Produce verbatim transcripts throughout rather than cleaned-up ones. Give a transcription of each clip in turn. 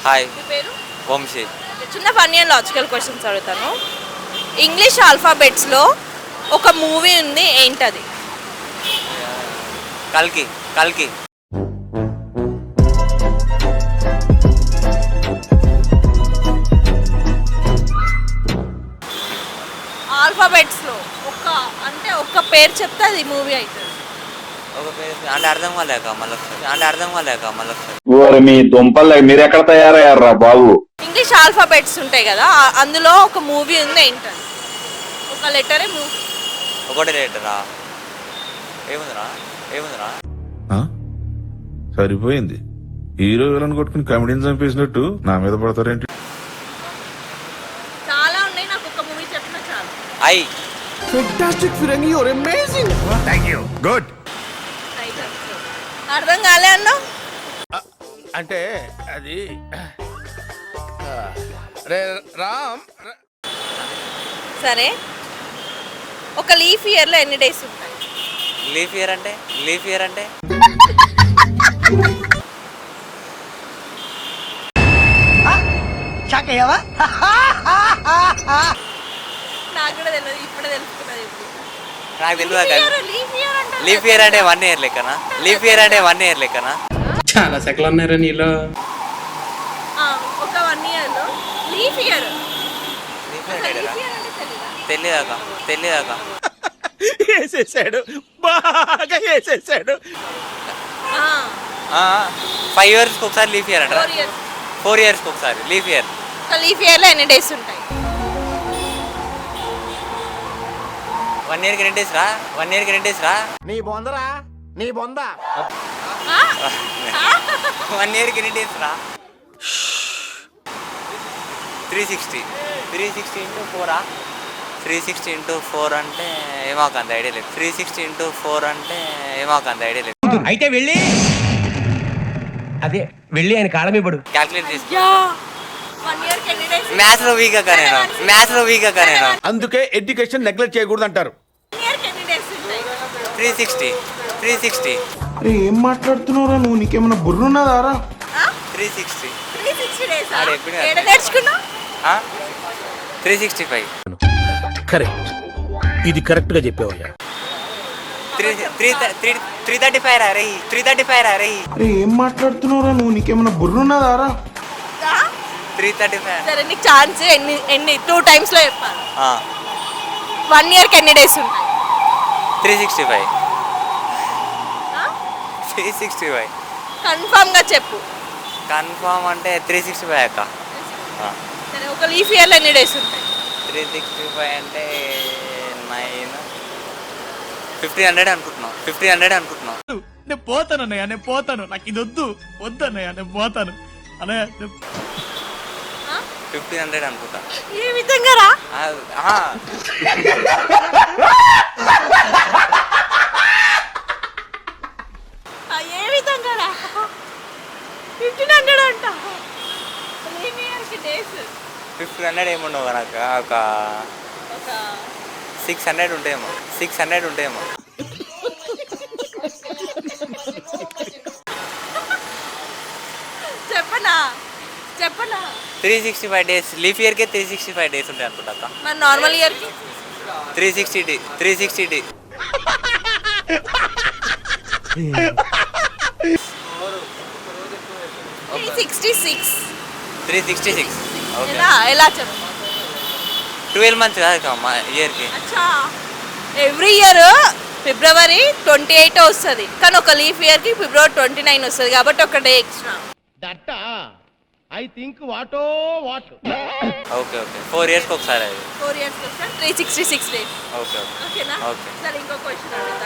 Hi. మీ పేరు? వంశీ. చిన్న funny and logical questions అడుగుతాను. ఇంగ్లీష్ ఆల్ఫాబెట్స్లో ఒక మూవీ ఉంది, ఏంటది? కల్కి. కల్కి. ఆల్ఫాబెట్స్లో ఒక అంటే ఒక్క పేరు చెప్తే అది మూవీ అవుతుంది. ఒక పేరు అంటే అర్థం కాలేక మళ్ళీ అంటే అర్థం కాలేక మళ్ళీ ఓరి మీ దుంపలు మీరు ఎక్కడ తయారయ్యారా బాబు? ఇంగ్లీష్ ఆల్ఫాబెట్స్ ఉంటాయి కదా, ఆ- అందులో ఒక మూవీ ఉంది, ఏంటది? ఒక లెటరే మూవీ. ఒకటి రేటరా ఏముందిరా ఏముందిరా సరిపోయింది. హీరో విలన్ కొట్టుకుని కమెడీని చంపేసినట్టు నా మీద పడతారేంటి? చాలా ఉన్నాయి, నాకు ఒక మూవీ చెప్పినా చాలు. I. Fantastic, Firangi, you're amazing. Thank you. Good. Right answer. అర్థం కాలే అన్నా? అంటే అది రే రామ్ ర- సరే, ఒక లీఫ్ ఇయర్లో ఎన్ని డేస్ ఉంటాయి? లీఫ్ ఇయర్ అంటే లీఫ్ ఇయర్ అంటే నాకు కూడా తెలియదు, ఇప్పుడే తెలుసుకున్నది. నాకు తెలియదు. లీఫ్ ఇయర్ అంటే లీఫ్ ఇయర్ అంటే వన్ ఇయర్ లెక్కనా? లీఫ్ ఇయర్ అంటే వన్ ఇయర్ లెక్కనా? చాలా సెకలు ఉన్నారా నీలో? ఆ, ఒక వన్ ఇయర్లో లీఫ్ ఇయర్. లీఫ్ ఇయర్ అంటే లీఫ్ ఇయర్ అంటే తెలీదా? తెలియదాక తెలియదాక వేసేసాడు, బాగా వేసేసాడు. ఆ, ఫైవ్ ఇయర్స్కి ఒకసారి లీఫ్ ఇయర్ అంటారా? Four years. ఫోర్ ఇయర్స్కి ఒకసారి లీఫ్ ఇయర్. ఒక లీఫ్ ఇయర్లో ఎన్ని డేస్ ఉంటాయి? వన్ ఇయర్కి రెండు డేస్ రా వన్ ఇయర్కి రెండు డేస్ రా నీ బొందరా నీ బొంద. ఆ? వన్ ఇయర్కి ఎన్ని డేస్ రా? Three sixty three sixty into ఫోరా త్రీ సిక్స్టీ ఇంటూ ఫోర్ అంటే ఏమాకు అంత ఐడియా లేదు. త్రీ సిక్స్టీ ఇంటూ ఫోర్ అంటే ఏమాకు అంత ఐడియా లేదు. అయితే వెళ్ళి అదే వెళ్ళి ఆయన కాళ్ళ మీద పడు. క్యాల్కులేట్ చేసి యా, వన్ ఇయర్కి ఎన్ని డేస్? మ్యాథ్స్ లో వీక్ అక్క నేను మ్యాథ్స్ లో వీక్ అక్క నేను అందుకే ఎడ్యుకేషన్ నెగ్లెక్ట్ చేయకూడదు అంటారు. వన్ ఇయర్కి ఎన్ని డేస్ ఉంటాయి? త్రీ సిక్స్టీ త్రీ సిక్స్టీ అరే ఏం మాట్లాడుతున్నావురా నువ్వు? నీకేమైనా బుర్రున్నదారా? Three sixty three sixty days. ఆడ ఎప్పుడు ఏడ నేర్చుకున్నా? త్రీ సిక్స్టీ ఫైవ్ కరెక్ట్, ఇది కరెక్ట్ గా చెప్పావయ్యా. Three three three three thirty five రా రే త్రీ థర్టీ ఫైవ్ రా రే అరే ఏం మాట్లాడుతున్నావురా నువ్వు? నీకేమైనా బుర్రున్నదారా? త్రీ థర్టీ ఫైవ్ సరే, నీకు ఛాన్స్ ఎన్ని ఎన్ని టూ టైమ్స్లో చెప్పాలి. వన్ ఇయర్కి ఎన్ని డేస్ ఉంటాయి? Three sixty five three sixty five కన్ఫామ్గా చెప్పు. కన్ఫామ్ అంటే త్రీ సిక్స్టీ ఫైవ్ అక్క. సరే, ఒక లీఫ్ ఇయర్లో ఎన్ని డేస్ ఉంటాయి? త్రీ సిక్స్టీ ఫైవ్ అంటే నైన్ ఫిఫ్టీన్ హండ్రెడ్ అనుకుంటున్నాం ఫిఫ్టీన్ హండ్రెడ్ అనుకుంటున్నాం నేను పోతాను అన్నయ్య, నేను పోతాను, నాకు ఇది వద్దు వద్దు అన్నయ్య, నేను పోతాను అన్నయ్య. ఫిఫ్టీన్ హండ్రెడ్ అనుకుంటా. ఏ విధంగా రా? ఆ, ఆ. ఆ, ఏ విధంగా రా? ఫిఫ్టీన్ హండ్రెడ్ అంట. లీఫ్ ఇయర్కి డేస్ ఫిఫ్టీన్ హండ్రెడ్ ఏముండవు నాకు ఒక ఒక సిక్స్ హండ్రెడ్ ఉంటాయేమో సిక్స్ హండ్రెడ్ ఉంటాయేమో చెప్పనా చెప్పనా three sixty five days leaf ఇయర్కే త్రీ సిక్స్టీ ఫైవ్ డేస్ ఉంటాయి అనుకుంటా అక్క. మరి నార్మల్ ఇయర్కి త్రీ సిక్స్టీ డి త్రీ సిక్స్టీ డి three sixty six. Three sixty six okay. ఎలా ఎలా చెప్పు? ట్వెల్వ్ మంత్స్ కాదు మా ఇయర్కి. అచ్చా, every year February twenty eight వస్తుంది, కానీ ఒక లీఫ్ ఇయర్కి ఫిబ్రవరి ట్వంటీ నైన్ వస్తుంది, కాబట్టి ఒక day extra. That I think what or what. Okay okay four ఇయర్స్కి ఒకసారి అది. ఫోర్ ఇయర్స్ వస్తే three sixty six days. Okay okay ఓకేనా? ఓకే. సరే, ఇంకో క్వశ్చన్ అడుగుతా.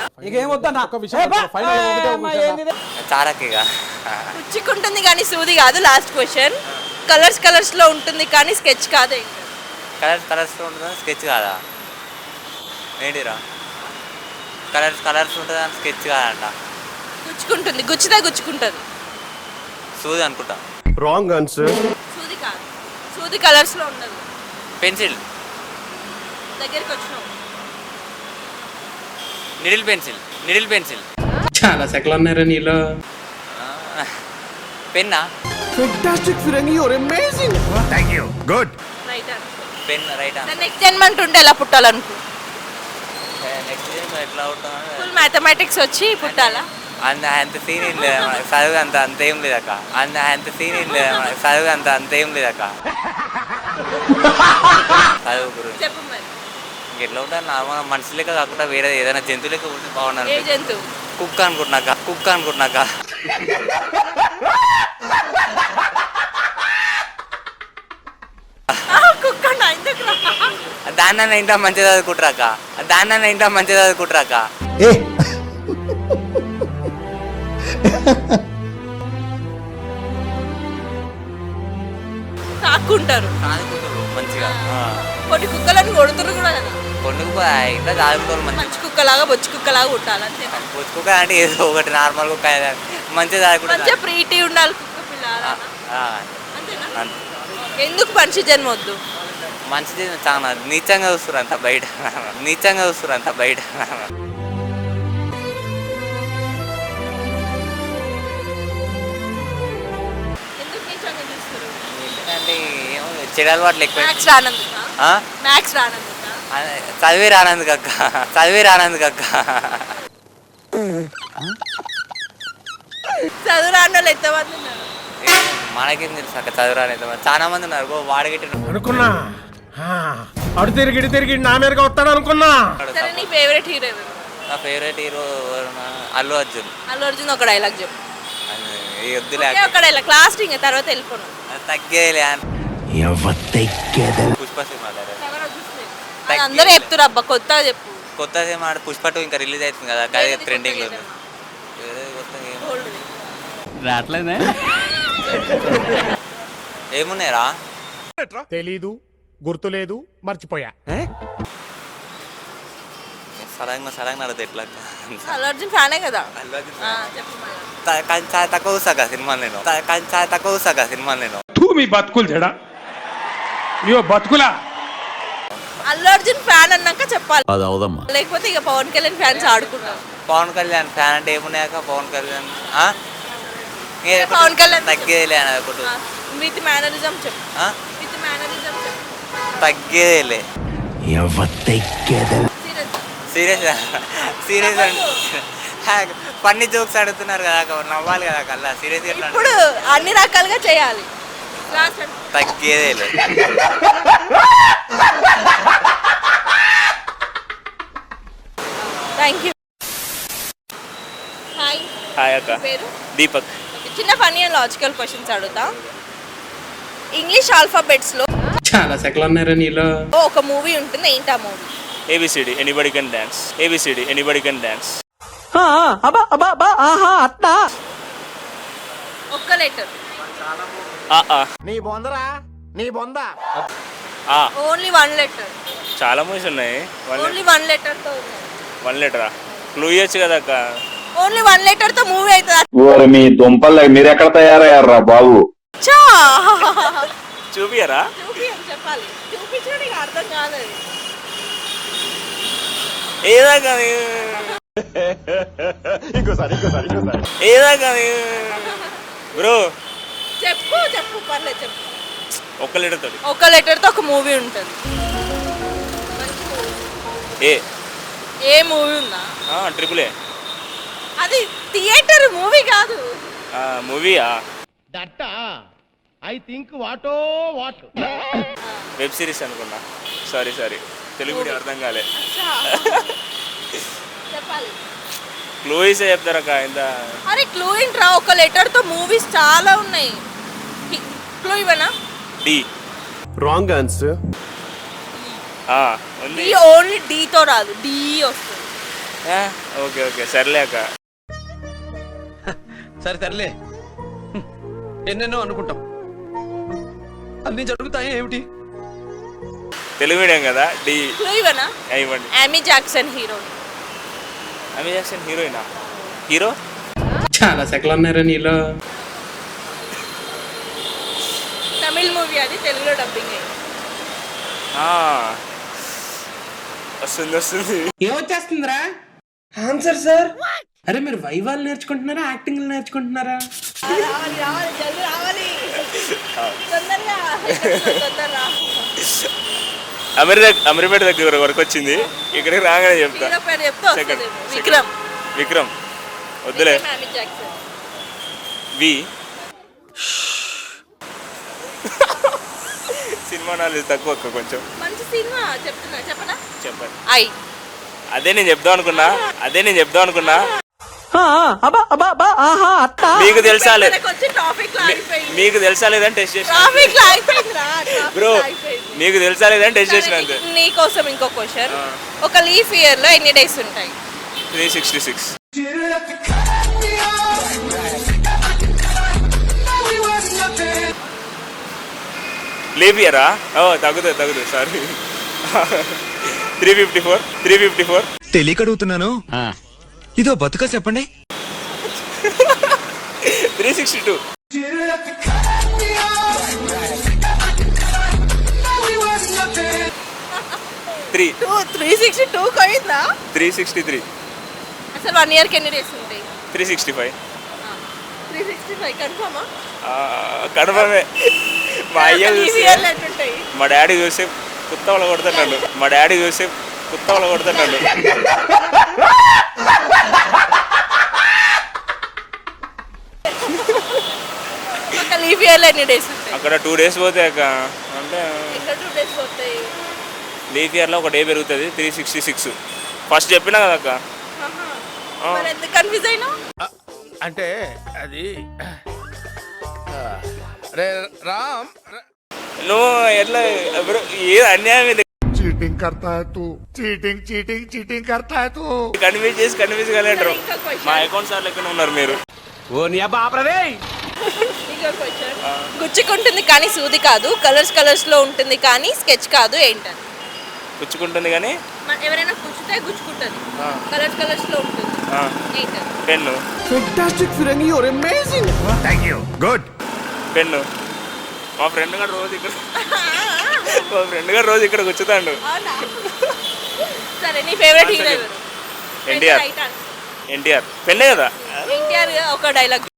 చారక్కిగా పుచ్చుకుంటుంది కానీ సూది కాదు. Last question. కలర్స్ కలర్స్ లో ఉంటుంది కానీ స్కెచ్ కాదు. కలర్స్ కలర్స్లో ఉంటుందా స్కెచ్ కాదా? ఏంటిరా కలర్స్ కలర్స్ ఉంటుందా స్కెచ్ కాదంట. గుచ్చుకుంటుంది, గుచ్చితే గుచ్చుకుంటుంది. సూది అనుకుంటా. Wrong answer. సూది కాదు, సూది కలర్స్ లో ఉండదు. పెన్సిల్ దగ్గరికి వచ్చినావు. నిడిల్ పెన్సిల్ నిడిల్ పెన్సిల్ చాలా సెకలు ఉన్నారా నీలో? పెన్నా Fantastic, Firangi, you're amazing. Thank you good right pen right next జన్మంట్ ఉంటే ఎలా పుట్టాలనుకో నెక్స్ట్ ఎట్లా అవుతాం ఫుల్ మ్యాథమెటిక్స్ వచ్చి పుట్టాలా అంత అంత సీన్ ఏం లేదు మనకి చదువు అంత అంత ఏం లేదక్క అంత అంత సీన్ ఏం లేదు మనకి చదువు అంత అంత ఏం లేదక్క చదువు గురించి చెప్పు మరి ఎట్లా ఉంటారు నార్మల్ మనిషి లెక్క కాకుండా వేరే ఏదైనా జంతువు లెక్క ఉంటే ఏ బాగున్నారు జంతువు కుక్క అనుకుంటున్నాక కుక్క అనుకుంటున్నాక కుక్క ఎందుకు దాన్న ఇంటా మంచిగా చదువుకుంటారాక దాన్న ఇంటా మంచిగా చదువుకుంటారాక తాక్కుంటారు చదువుకుంటారు మంచిగా కొన్ని కుక్కలను కొడుతురు కూడా కదా కొండకు ఇంట్లో చదువుకోవాలి మంచిగా మంచి కుక్కలాగా బొచ్చు కుక్కలాగా పుట్టాలి అంతే కుక్క అంటే ఏదో ఒకటి నార్మల్ కుక్క మంచిగా చదువుకుంటారు మంచిగా ప్రీతి ఉండాలి కుక్క పిల్ల అలా. అంతేనా ఎందుకు మనిషి జన్మ వద్దు మంచిది చాలా నీచంగా చూస్తారు అంత బయట నీచంగా చూస్తారు అంత బయట ఎందుకు నీచంగా చూస్తారు అంటే ఏమో చెడు అలవాట్లు ఎక్కువ మ్యాథ్స్ రానందుకా ఆ? మ్యాథ్స్ రానందుకా అదే, చదివే రానందుకు అక్క చదివే రానందుకు అక్క చదువు రాని వాళ్ళు ఎంతమంది ఉన్నారు ఏమో, మనకేం తెలుసు అక్క చదువు రాలేదు చాలా మంది ఉన్నారు గో వాడగట్టి అనుకున్నా అడు తిరిగి ఇటు తిరిగి నా మీదగా వస్తాడు అనుకున్నా సరే నీ ఫేవరెట్ హీరో ఎవరు నా ఫేవరెట్ హీరో అల్లు అర్జున్ అల్లు అర్జున్ ఒక డైలాగ్ చెప్పు అది ఈ వద్దులే ఒకే ఒక డైలాగ్ లాస్ట్ ఇంకా తర్వాత వెళ్ళిపోను అది తగ్గేలే పుష్ప సినిమా అది అందరూ చెప్తున్నారు అబ్బా కొత్తగా చెప్పు కొత్త సినిమా పుష్ప టూ ఇంకా రిలీజ్ అవుతుంది కదా అదే ట్రెండింగ్ లో ఉంది ఏదో కొత్తగా ఏమో. రావట్లేదే ఏమున్నాయిరా తెలీదు గుర్తులేదు మర్చిపోయా సడన్గా సడన్గా నడదు ఎట్లా అల్లు అర్జున్ ఫ్యానే కదా అల్లు అర్జున్ ఆ, చెప్పు మరి. త- కానీ చాలా తక్కువ చూసాక సినిమాలు నేను త- కానీ చాలా తక్కువ చూసాక సినిమాలు నేను తూ మీ బతుకులు జడా ఇయో బతుకులా అల్లు అర్జున్ ఫ్యాన్ అన్నాక చెప్పాలి అది అవదమ్మా లేకపోతే ఇక పవన్ కళ్యాణ్ ఫ్యాన్స్ ఆడుకుంటారు పవన్ కళ్యాణ్ ఫ్యాన్ అంటే ఏమున్నాయాక పవన్ కళ్యాణ్ ఆ? ఏ పవన్ కళ్యాణ్ తగ్గేదిలే అని ఒకటి విత్ మేనరిజం చెప్పు ఆ? విత్ మేనరిజం చెప్పు తగ్గేదిలే సీరియస్ సీరియస్ సీరియస్ అంటే ఫన్నీ జోక్స్ అడుగుతున్నారు కదా అక్క, నవ్వాలి కదా కల్లా సీరియస్ ఎట్లా ఇప్పుడు అన్ని రకాలుగా చేయాలి లాస్ట్ అంటే తగ్గేదేలే థ్యాంక్ యూ హాయ్ హాయ్ అక్క పేరు దీపక్ Okay, చిన్న ఫన్నీ అండ్ లాజికల్ క్వశ్చన్స్ అడుగుతా ఇంగ్లీష్ ఆల్ఫాబెట్స్ లో చాలా సెకలు ఉన్నారా నీలో ఒక మూవీ ఉంటుంది ఏంటి ఆ movie ABCD anybody can dance ABCD anybody can dance ఒక్క లెటర్ నీ బొందరా నీ బొంద ఓన్లీ వన్ లెటర్ చాలా మూవీస్ ఉన్నాయి వన్ ఓన్లీ వన్ లెటర్ తో వన్ లీటరా క్లూ ఇవ్వచ్చు కదా అక్క ఓన్లీ వన్ లెటర్ తో మూవీ అవుతుంది ఓరి మీ దుంపలు మీరెక్కడ తయారయ్యారా బాబు అచ్చా చూపియరా చూపి అని చెప్పాలి చూపించడం నీకు అర్థం కాలేదు ఏదాకా ఏదాకా బ్రో చెప్పు చెప్పు పర్లేదు చెప్పు ఒక్క లీటర్ తోటి ఒక లెటర్ తో ఒక మూవీ ఉంటుంది ఏ ఏ మూవీ ఉందా ట్రిపుల్ ఏ అది థియేటర్ మూవీ కాదు మూవీయా that I think what or what web series అనుకున్నా సారీ సారీ తెలుగు మీడియం అర్థం కాలే అచ్చా. చెప్పాలి క్లూ ఇస్తే చెప్తారక్క ఇంత అరే క్లూ ఏంట్రా ఒక లెటర్ తో మూవీస్ చాలా ఉన్నాయి క్లూ ఇవ్వనా డి రాంగ్ ఆన్సర్ ఉంది డి ఓన్లీ డి తో రాదు డి వస్తుంది ఓకే ఓకే సర్లే అక్క సరే సర్లే ఎన్నెన్నో అనుకుంటాం అన్ని జరుగుతాయి ఏమిటి తెలుగు మీడియం కదా డి క్లూ ఇవ్వనా ఇవ్వండి Yami Jackson hero Amy Jackson హీరోయినా హీరో చాలా సెకలు ఉన్నారా నీలో తమిళ్ మూవీ అది తెలుగులో డబ్బింగ్ అయింది వస్తుంది వస్తుంది ఏమొచ్చేస్తుందిరా ఆన్సర్ సార్ అరే మీరు వైవాలు నేర్చుకుంటున్నారా యాక్టింగ్ నేర్చుకుంటున్నారా? రావాలి రావాలి జల్దీ రావాలి తొందరగా తొందరగా అమీర్ అమీర్పేట దగ్గర వరకు వచ్చింది. ఇక్కడికి రాగానే చెప్తా. హీరో పేరు చెప్తే సెకండ్ వస్తుంది విక్రమ్ విక్రమ్ వద్దులే. విక్రమ్ అమిత్ జాక్సన్. వి సినిమా నాలెడ్జ్ తక్కువ అక్క కొంచెం. మంచి సినిమా చెప్తున్నా చెప్పనా? చెప్పండి. ఐ అదే నేను చెప్దాం అనుకున్నా అదే నేను చెప్దాం అనుకున్నా మీకు తెలుసా లేదు వచ్చి ట్రాఫిక్ లో ఆగిపోయింది. మీకు తెలుసా లేదని టెస్ట్ చేసిన ట్రాఫిక్ లో ఆగిపోయిందిరా బ్రో. మీకు తెలుసా లేదని టెస్ట్ చేసిన అంతే. నీ కోసం ఇంకో క్వశ్చన్. ఒక లీఫ్ ఇయర్ లో ఎన్ని డేస్ ఉంటాయి? Three sixty six. లీవ్ ఇయరా? ఓ తగ్గుతుంది తగ్గుతుంది sorry. Three fifty four three fifty four తెలియక అడుగుతున్నాను, ఇదో బతుక చెప్పండి. Three sixty two. Three two three sixty two పోయిందా? Three sixty three. అసలు వన్ ఇయర్ కి ఎన్ని డేస్ ఉంటాయి? Three sixty five. Three sixty five కన్ఫర్మా? కడపమే. మా అయ్య లీఫ్ చూస్తే ఇయర్ ఎట్లుంటాయి? మా డాడీ చూస్తే కుత్త వాళ్ళ కొడుతున్నాడు. మా డాడీ చూస్తే కుత్త వాళ్ళ కొడుతున్నాడు. ఒక లీఫ్ ఇయర్ లో ఎన్ని డేస్ ఉంటాయి? అక్కడ టూ డేస్ పోతాయి అక్క. అంటే ఎక్కడ టూ డేస్ పోతాయి? లీఫ్ ఇయర్లో ఒక డే పెరుగుతుంది. త్రీ సిక్స్టీ సిక్స్ ఫస్ట్ చెప్పినా కదా అక్క. ఆహా. మరి ఎందుకు కన్ఫ్యూజ్ అయినా? అంటే అది రే రామ్ నువ్వు ఎట్లా బ్రో ఏ అన్యాయం ఇది. चीटिंग करता है तू, चीटिंग चीटिंग चीटिंग करता है तू. కన్విన్స్ చేసి కన్విన్స్ కాలేంటారు. ఇంకా క్వశ్చన్. మా అకౌంట్ సార్ లెక్కన ఉన్నారు మీరు. ఓ నీ అబ్బా ఆపరదే. ఇంకో క్వశ్చన్. గుచ్చుకుంటుంది కానీ సూది కాదు, కలర్స్ కలర్స్ లో ఉంటుంది కానీ స్కెచ్ కాదు, ఏంటది? పుచ్చుకుంటుంది కానీ మన- ఎవరైనా గుచ్చితే గుచ్చుకుంటుంది, కలర్స్ కలర్స్ లో ఉంటుంది, ఏంటది? Pen. Fantastic Firangi, you're amazing. Good. Pen. మా ఫ్రెండ్ గారు రోజు ఇక్కడ మా ఫ్రెండ్ గారు రోజు ఇక్కడ కూర్చుతాడు. అవునా? సరే నీ ఫేవరెట్ హీరో ఎవరు? ఎన్టీఆర్. Right answer. ఎన్టీఆర్ పెన్నే కదా. ఎన్టీఆర్ ఒక డైలాగ్